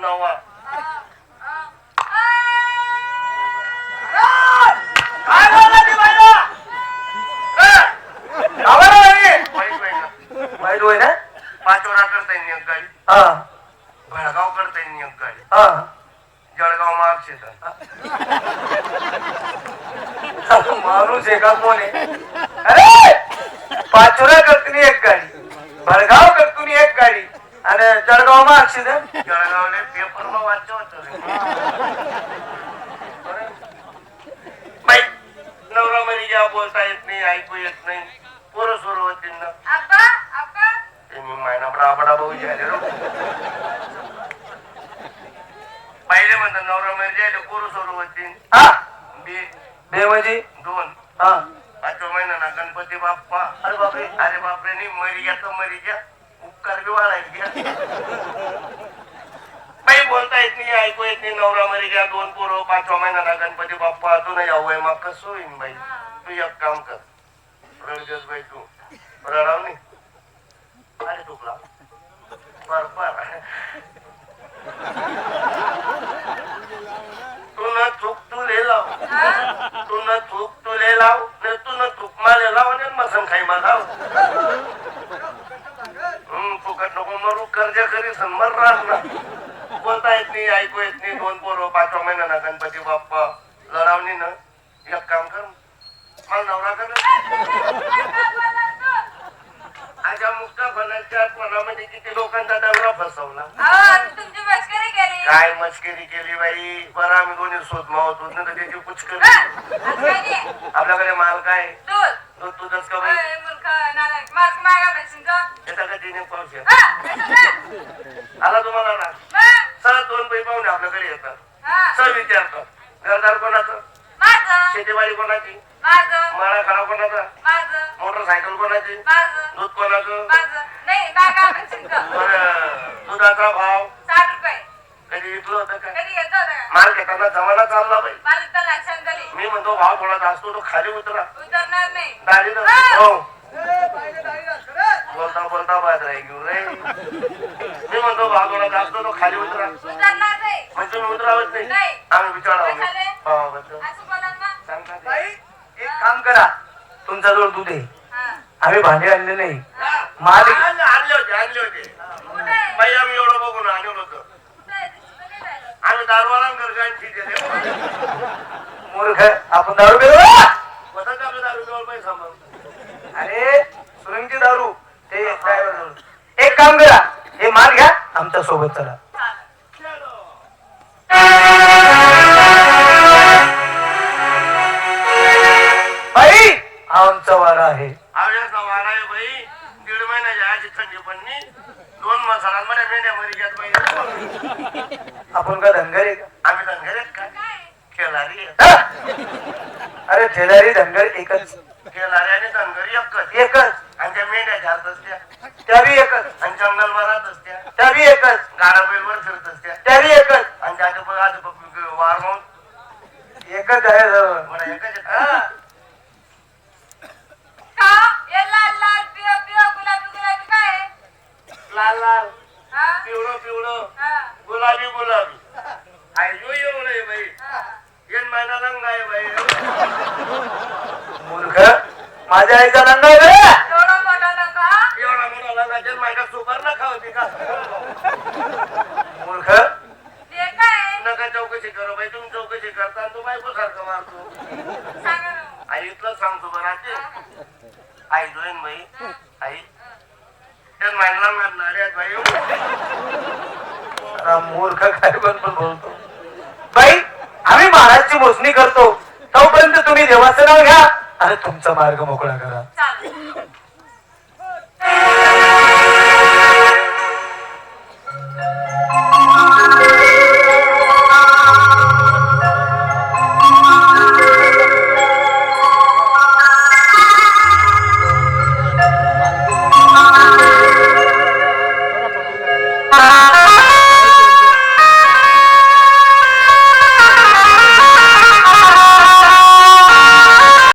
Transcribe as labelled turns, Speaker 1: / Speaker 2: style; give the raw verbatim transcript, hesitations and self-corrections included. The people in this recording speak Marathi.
Speaker 1: नवा
Speaker 2: काय बोलला ती बाईला? आवाज नाही
Speaker 1: वाईट वाईट
Speaker 2: वाईट होय ना?
Speaker 1: पाचोरा करता येईल एक गाडी
Speaker 2: हा
Speaker 1: भडगाव करता येईल एक गाडी
Speaker 2: हा
Speaker 1: जळगाव महाक्षेत्र
Speaker 2: माणूस एका कोण आहे? अरे पाचोरा करतुनी एक गाडी, भडगाव करतुनी एक गाडी आणि जळगाव मा अक्षिदन
Speaker 1: जळगावले पेपर मग वाचतो बाई नवरा मध्ये जेव्हा बोलता येत नाही ऐकू येत नाही पोरं सुरू होतील ना ते मी मायना बडा भाऊ झाले रो पहिले म्हणतात नवरा मध्ये जायला पोरं सुरू होतील
Speaker 2: हा
Speaker 1: बे
Speaker 2: बे म्हणजे
Speaker 1: दोन
Speaker 2: हा
Speaker 1: पाचव्या महिन्याला गणपती बाप्पा अरे बापरे अरे बापरे नाही मरी घ्या तर मरी घ्या उपकार बी वाढायला घ्या काही बोलता येत नाही ऐकू येत नाही नवरा मरी घ्या दोन पोरं पाचव्या महिन्याला गणपती बाप्पा तू नाही यावं मग कसं होईन बाई तू एक काम कर रडगस बाई तू रडाव नाही अरे तुकला पर पर तू न चूक तू ले लाव तू न चूक तू ले लाव न तू न चूक माले लाव आणि मसन खाई मा लाव हम्म फुकट नको मरू कर्ज करी सन मर राहत ना बोलता येत नाही ऐकू येत नाही दोन पोरं पाचव्या महिन्याला गणपती बाप्पा लढावणी ना एक काम कर मला नवरा कर आजा मुक्ता बनाच्या पणामध्ये किती लोकांचा नवरा फसवला काय मस्करी केली बाई बरं आम्ही दोन्ही शोध मावत होत ना त्याची पुचकरी आपल्याकडे माल काय दूध तुझंच का बाई येता का तिने पाऊस आला तुम्हाला ना सर दोन बाई पाहुणे आपल्याकडे येतात सर विचारतात घरदार कोणाचं शेतीवाडी कोणाची माळा खाना कोणाचा मोटरसायकल कोणाची दूध कोणाचं दुधाचा भाव कधी विकलं होतं का माल घेताना जमाना चालला बाई मी म्हणतो भाव थोडा असतो तो खाली उतरा दाढी हो बोलता बोलता बाजरा घेऊन रे मी म्हणतो भाव थोडा असतो तो खाली उतरा म्हणजे तुम्ही उतरावत नाही आम्ही विचारावं
Speaker 2: एक काम करा तुमचा जवळ दूध आहे आम्ही भांडे आणले नाही माल
Speaker 1: आणले होते आणले होते बाई आम्ही एवढं बघून आणलं होतं आम्ही दारूवाला घर
Speaker 2: मूर्ख आपण दारू पिलो
Speaker 1: होता का आपल्या दारू जवळ पैसा मग
Speaker 2: अरे सुरंगची दारू ते ड्रायव्हर एक काम करा हे माल घ्या आमच्या सोबत चला बाई आमचा वारा आहे
Speaker 1: आवड्याचा वारा आहे बाई दीड महिन्याच्या आधी थंडी पडली दोन मसालांमध्ये मेंढ्या मरी घ्यात बाई
Speaker 2: आपण का धनगर आहे का
Speaker 1: आम्ही धनगर आहेत का खेळारी
Speaker 2: अरे ठेलारी धनगर एकच
Speaker 1: खेळारी आणि धनगरी एकच
Speaker 2: एकच
Speaker 1: आणि त्या मेंढ्या घालत असत्या
Speaker 2: त्या बी एकच
Speaker 1: आणि जंगल भरात असत्या
Speaker 2: त्या बी एकच
Speaker 1: गाडा बैलवर फिरत असत्या
Speaker 2: त्या बी एकच
Speaker 1: आणि त्याच्या बघ आज वार म्हणून
Speaker 2: एकच आहे सर्व
Speaker 1: मला एकच आहेत. लाल लाल पिवळं पिवळं गुलाबी गुलाबी आयजो एवढं आहे बाई येन महिना रंग आहे बाई
Speaker 2: मूर्ख माझ्या आईचा रंग आहे रे
Speaker 1: एवढा मोठा रंग जेन महिना सुपर न खावती का
Speaker 2: मूर्ख
Speaker 1: नका चौकशी करो बाई तुम्ही चौकशी करता तू बायको सारखं मारतो आई इथलं सांगतो बरं आते आई जोईन बाई आई त्यात महिना मारणारे बाई
Speaker 2: मूर्ख काय पण पण बोलतो बाई आम्ही महाराजची मोजणी करतो तोपर्यंत तुम्ही देवाचं नाव घ्या आणि तुमचा मार्ग मोकळा करा